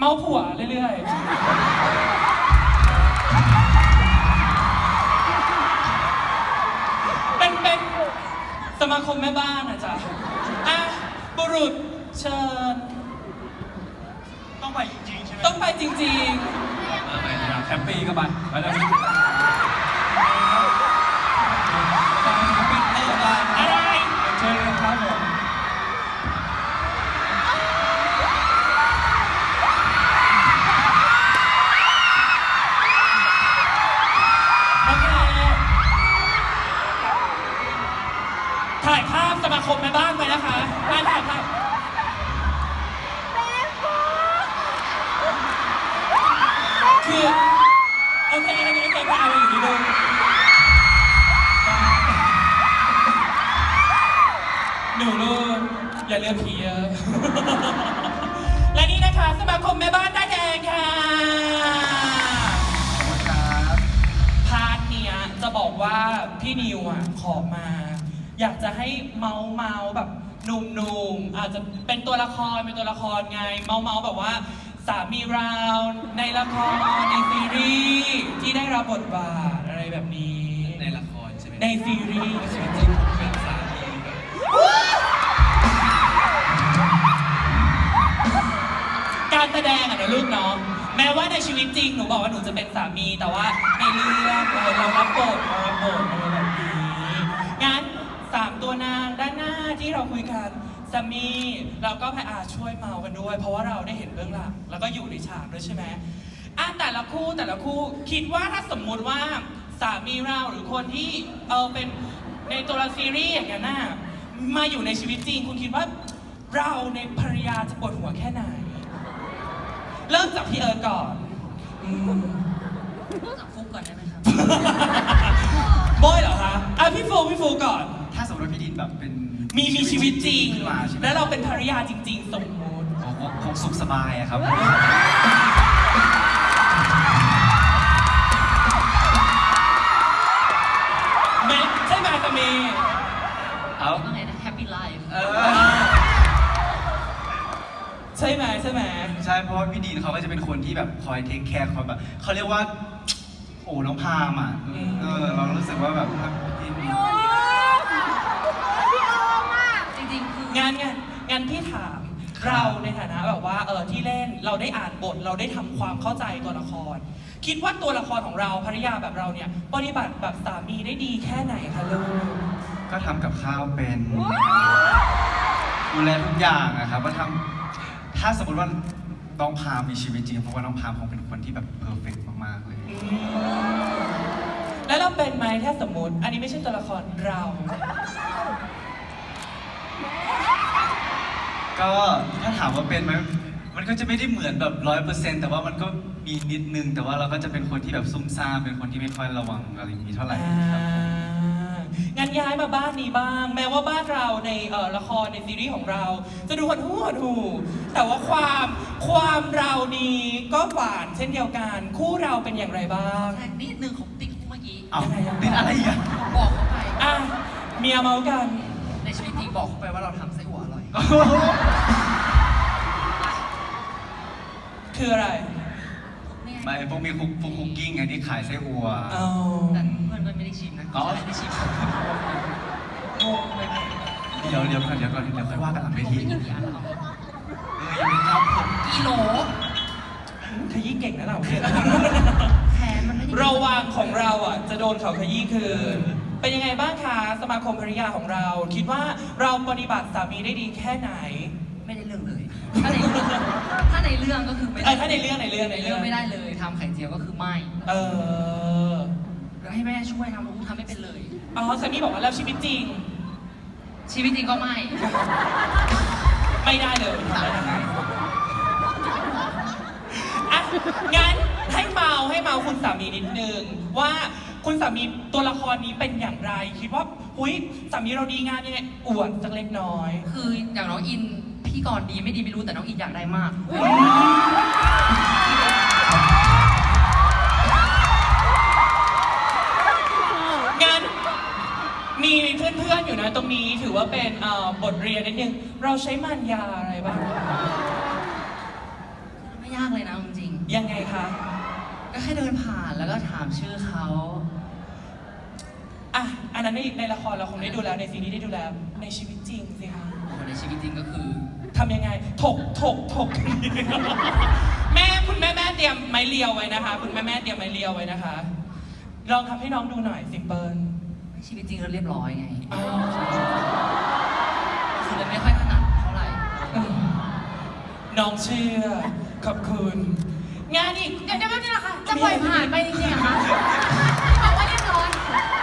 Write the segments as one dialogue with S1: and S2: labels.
S1: เมาผัวเรื่อยๆเป็นสมาคมแม่บ้านอ่ะจ๊ะอ่ะบุรุษเชิญ
S2: ต้องไปจริงๆใช่ไหม
S1: ต้องไปจริง
S3: แฮปปี้ก็ไปแล้ว
S1: ๆอะไร
S3: เชิญเลยครับผม
S1: โอเคถ่ายภาพสมาคมแม่บ้านไปนะคะถ่ายภาพคือโอเคเอาอยู่ดีเลยหนูลูกอย่าเลือกผีเยอะ และนี่นะคะสมาคมแม่บ้านได้แดงค่ะพาร์ทเนี้ยจะบอกว่าพี่นิวอ่ะขอมา อยากจะให้เมาแบบหนุ่มๆอาจจะเป็นตัวละครไงเมาแบบว่าสามีเราในละครในซีรีส์ที่ได้รับบทบาทอะไรแบบนี้
S3: ในละครใช่ไหม
S1: ในซีรีส์
S3: ชีวิตจริงผมเป็นสามีแบบ
S1: การแสดงอะนะลูกเนาะแม้ว่าในชีวิตจริงหนูบอกว่าหนูจะเป็นสามีแต่ว่าในเรื่องเรารับบทอะไรแบบนี้งั้น3ตัวนางด้านหน้าที่เราคุยกันสามีเราก็พยายามช่วยเมากันด้วย เพราะว่าเราได้เห็นเบื้องหลังแล้วก็อยู่ในฉากด้วยใช่ไหมแต่ละคู่คิดว่าถ้าสมมุติว่าสามีเราหรือคนที่เป็นในตัวละซีรีส์อย่างนั้นน่ะมาอยู่ในชีวิตจริงคุณคิดว่าเราในภรรยาจะปวดหัวแค่ไหนเริ่มจากพี่เอิร์ธก่อน
S4: เริ่มจากฟุกก่อนได้ไหมครับ
S1: โบยเหรอคะพี่ฟูก่อน
S2: ถ้าสมมติว่าพี่ดินแบบเป็น
S1: มีชีวิตจริง
S2: ขึ้นมาใช่ไหม
S1: แล้วเราเป็นภรรยาจริง ๆ สมมติ
S2: คงสุขสบายอะครับ
S1: ใช่ไหมสามี
S2: เอา
S4: ว่าไงนะ Happy Life
S1: ใช่ไหม
S2: ใช่เพราะว่าพี่ดินเขาก็จะเป็นคนที่แบบคอยเทคแคร์คอยแบบเขาเรียกว่า โอ้น้องพามอ่ะเรารู้สึกว่าแบบพี่ดิน
S4: จริงๆ คือ
S1: งั้นพี่ถามเราในฐานะแบบว่าที่เล่นเราได้อ่านบทเราได้ทำความเข้าใจตัวละคร คิดว่าตัวละครของเราภรรยาแบบเราเนี่ยปฏิบัติแบบสามีได้ดีแค่ไหนคะลูก
S2: ก็ทำกับข้าวเป็นดูแลทุกอย่างนะครับว่าถ้าสมมติว่าน้องพามมีชีวิตจริงเพราะว่าน้องพามคงเป็นคนที่แบบเพอร์เฟกต์มากๆเลย
S1: แล้วเราเป็นไหมถ้าสมมติ อันนี้ไม่ใช่ตัวละครเรา
S2: ก็ถ้าถามว่าเป็นไหมมันก็จะไม่ได้เหมือนแบบ100%แต่ว่ามันก็มีนิดนึงแต่ว่าเราก็จะเป็นคนที่แบบซุ่มซ่ามเป็นคนที่ไม่ค่อยระวังอะไรอย่างนี้เท่าไหร่ครับ
S1: งั้นย้ายมาบ้านนี้บ้าง แม้ว่าบ้านเราในละครในซีรีส์ของเรา จะดูหดหูแต่ว่าความเรานี้ก็หวานเช่นเดียวกัน คู่เราเป็นอย่างไรบ้าง
S4: แทงนิดนึงของติ๊กเมื่อกี้
S2: เอานิดอะไรอีกอะ
S4: บอกเขาไป
S1: เมียเมากัน
S4: ในชีวิตจริงบอกเขาไปว่าเราทำไส้อั่วอร่อย
S1: คืออะไร
S4: เนี่ย
S2: ไม่พวกมีคุกกิ้งไงที่ขายไส้อั่ว
S4: แต่เพื่อนไม่ได้ชิมนะ
S2: อ๋อ
S4: ไม่ได้ชิมงงเลย
S2: เดี๋ยวก่อนเดี๋ยวค่อยว่ากันหลังเว
S4: ผม
S2: ที
S4: ไม่กินกี่อันแล้ว
S2: ยังไม่ครับผม
S4: กิโล
S1: ขยี้เก่งนะเราเนี่ย
S4: แทนมันไม่ได้
S1: ระวังของเราจะโดนเขาขยี้คืน เป็นยังไงบ้างคะสมาคมภรรยาของเรา คิดว่าเราปฏิบัติสามีได้ดีแค่ไหน
S4: ไม่ได้เรื่องเลย ถ้าในเรื่องก็คือไม่ได้
S1: ถ้าในเรื่อง
S4: ไม่ได้เลยทำไข่เจียวก็คือไม่ แล้วให้แม่ช่วยทำทำไม่เป็นเลย
S1: สามีบอกว่าแล้วชีวิตจริง
S4: ชีวิตจริงก็ไม่
S1: ไม่ได้เลยทำได้ยังไงงั้นให้เมาคุณสามีนิดนึงว่าคุณสามีตัวละครนี้เป็นอย่างไร คิดว่าสามีเราดีงามยังไงอวดสักเล็กน้อย
S4: คืออย่างน้องอินพี่ก่อนดีไม่ดีไม่รู้แต่น้องอินอยากได้มาก
S1: งั้นมีเพื่อนๆอยู่นะตรงนี้ถือว่าเป็นบทเรียนนิดนึงเราใช้มันยาอะไรบ้าง
S4: ไม่ยากเลย
S1: ยังไงคะ
S4: ก็แค่เดินผ่านแล้วก็ถามชื่อเขา
S1: อ่ะอันนั้นในละครเราคงได้ดูแล้วในซีรีส์ได้ดูแล้วในชีวิตจริงสิคะ
S4: คนในชีวิตจริงก็คือ
S1: ทำยังไงถก คุณแม่เตรียมไม้เรียวไว้นะคะ คุณแม่เตรียมไม้เรียวไว้นะคะ ลองทำให้น้องดูหน่อยซิมเปิล
S4: ชีวิตจริงเราเรียบร้อยไง
S1: อ๋อ
S4: คือเลยไม่ค่อยถนัดเท่าไหร่
S1: น้องเชื่อขอบคุณ งานอีก
S5: เดี๋ยวแป๊บนึงนะคะ จะปล่อยผ่านไปจริงๆเหรอคะบอกว่าเรียบร้อย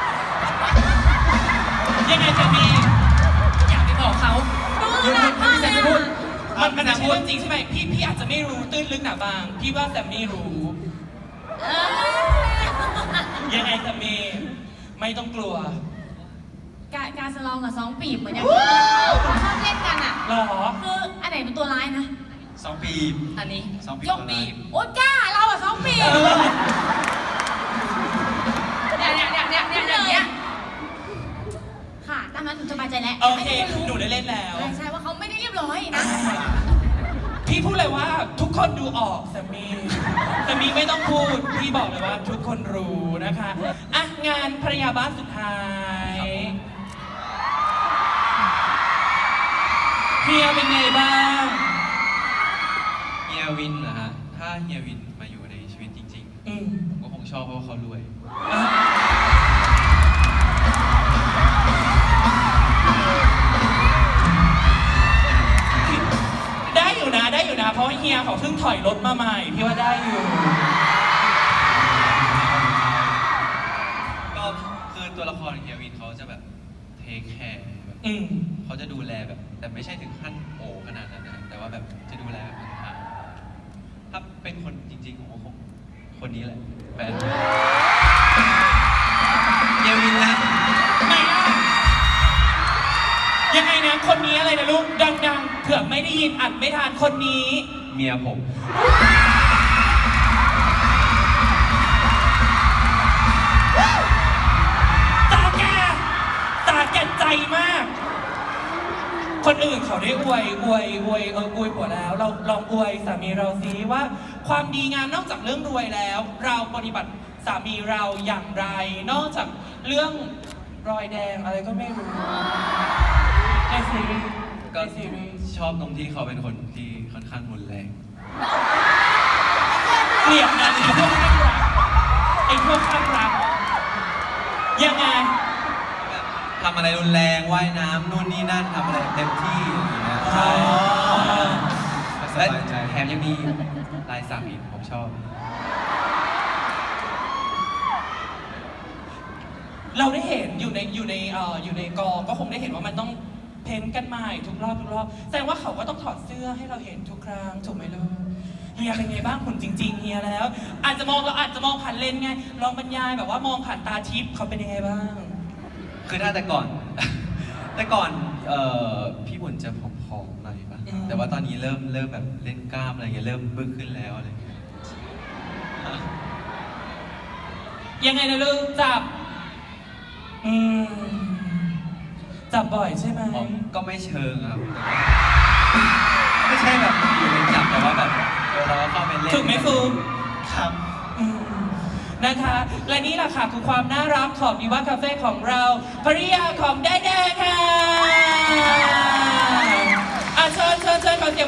S1: ยังไงจะมี
S4: อยากไปบอกเขา
S5: ดูหนักมากเลยอะ
S1: มันไม่ใช่เรื่องจริงใช่ไหมพี่อาจจะไม่รู้ตื้นลึกหนาบาง พี่ว่าแซมมี่รู้ ยังไงแซมมี่ไม่ต้องกลัว
S5: การสลองกับสองปีบเหมือนอย่างชอบเล่นกันอ่ะ
S1: หรอ
S5: คืออันไหนเป็นตัวร้ายนะ
S2: 2 ปี
S4: อันนี้
S2: 2 ปี
S5: ยกปีบโอ๊ยกล้าเราอ่ะสองปีบเนี่ยค่ะตามนั้นหนูสบายใจแล้ว
S1: โอเค
S5: ให้ทุกน
S1: หนู
S5: รู้
S1: ได้เล่นแล้ว
S5: ใช่ว่าเขาไม่ได้เรียบร้อยนะ
S1: พี่พูดเลยว่าทุกคนดูออกแซมมี่ไม่ต้องพูด พี่บอกเลยว่าทุกคนรู้นะคะอ่ะงานภรรยาบ้านสุดท้ายเฮียเป็นไงบ้าง
S3: เฮียวินเหรอฮะ ถ้าเฮียวินมาอยู่ในชีวิตจริง
S1: อืม
S3: ๆ ผมก็คงชอบเพราะว่าเขารวย
S1: อ่ะได้อยู่นะ เพราะว่าเฮียเขาเพิ่งถอยรถมาใหม่ พี่ว่าได้อยู่
S3: ก็คือตัวละครเฮียวินเขาจะแบบเทคแคร์แบบ
S1: อืม
S3: เขาจะดูแลแบบ แต่ไม่ใช่ถึงขั้นโอขนาดนั้นนะแต่ว่าแบบจะดูแลแบบห่างๆถ้าเป็นคนจริงๆผมก็คงคนนี้แหละแฟนเฮียวินนะ
S1: ไหนอ่ะยังไงนะคนนี้อะไรนะลูกดังๆเผื่อไม่ได้ยินอัดไม่ทันคนนี้
S3: เมียผม
S1: ตาแก่ใจมาก คนอื่นเขาได้อวยผัวแล้ว เราลองอวยสามีเราซิว่าความดีงามนอกจากเรื่องรวยแล้ว เราปฏิบัติสามีเราอย่างไร นอกจากเรื่องรอยแดงอะไรก็ไม่รู้ในซีรีส์
S3: ก็
S1: ในซีรีส์
S3: ชอบตรงที่เขาเป็นคนที่ค่อนข้างรุนแรง
S1: เกลียดนะไอ้พวกข้างรักยังไง
S3: ทำอะไรรุนแรงว่ายน้ำนู่นนี่นั่นทำอะไรเต็มที่อย่างเงี้ยใช่
S2: ส
S3: และ
S2: บายใจ
S3: แถมยังมีลายสักอีกผมชอบ
S1: เราได้เห็นอยู่ในกองก็คงได้เห็นว่ามันต้องเพ้นท์กันใหม่ทุกรอบแสดงว่าเขาก็ต้องถอดเสื้อให้เราเห็นทุกครั้งถูกไหมลูกเฮียเป็นไงบ้างหุ่นจริงๆเฮียแล้ว เราอาจจะมองผ่านเลนส์ไงลองบรรยายแบบว่ามองผ่านตาทิพย์เขาเป็นยังไงบ้าง
S3: คือถ้าแต่ก่อน พี่บุญจะผอมๆหน่อยป่ะ แต่ว่าตอนนี้เริ่มแบบเล่นกล้ามอะไรเงี้ยเริ่มบึ้งขึ้นแล้วอะไรเงี้ย
S1: ยังไงนะลูกจับจับบ่อยใช่ไหม
S3: ผมก็ไม่เชิงครับไม่ใช่แบบอยู่ในจับแต่ว่าแบบเราก็เข้าไปเล่น
S1: ถูกไหมฟูม
S2: ครับ
S1: นะคะ และนี่แหละค่ะคือความน่ารักของดีว่าคาเฟ่ของเราภริยาของได้แดงค่ะเชิญขอเสียง